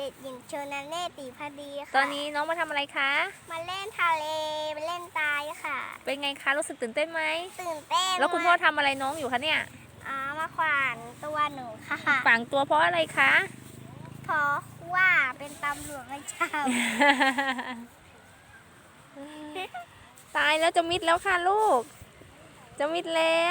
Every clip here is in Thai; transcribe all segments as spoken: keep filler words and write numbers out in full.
ด็กหญิงชนาเนตร ตีพดีค่ะตอนนี้น้องมาทำอะไรคะมาเล่นทะเลไปเล่นทรายค่ะเป็นไงคะ รู้สึกตื่นเต้นไหมตื่นเต้นแล้วคุณพ่อทำอะไรน้องอยู่คะเนี่ยอ๋อมาขวานตัวหนูค่ะฝังตัวเพราะอะไรคะเพราะว่าเป็นตำรวจไม่เจ้าตายแล้วจะมิดแล้วค่ะลูก จะมิดแล้ว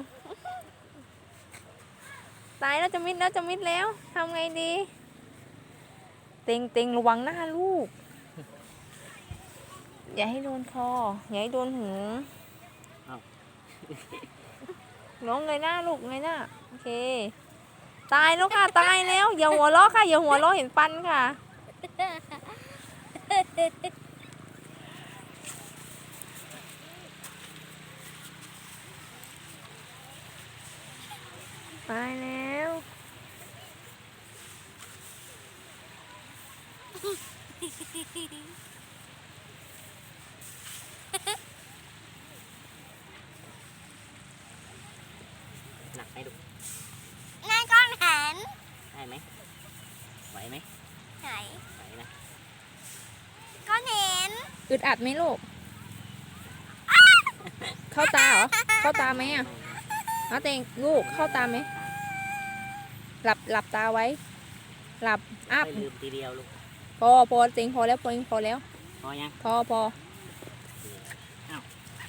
ตายแล้วจะมิดแล้วจะมิดแล้วทำไงดี เต็งเต็งระวังหน้าลูก อย่าให้โดนคอ อย่าให้โดนหูน้องเงยหน้าลูกเงยหน้าโอเค ตายแล้วค่ะตายแล้วอย่าหัวเราะค่ะอย่าหัวเราะเห็นฟันค่ะ ตายแล้วหนักไหมลูกนายก้อนหันได้ไหมไหวไหมไหนไหวนะก้อนเห็นอึดอัดไหมลูก เข้าตาเหรอ เข้าตาไหมอ่ะเอาเต็งลูกเข้าตาไหม หลับหลับตาไว้ หลับอัพไม่ลืมทีเดียวลูกพอพอเต็งพอแล้วพอพอแล้วพอยังพอพอพ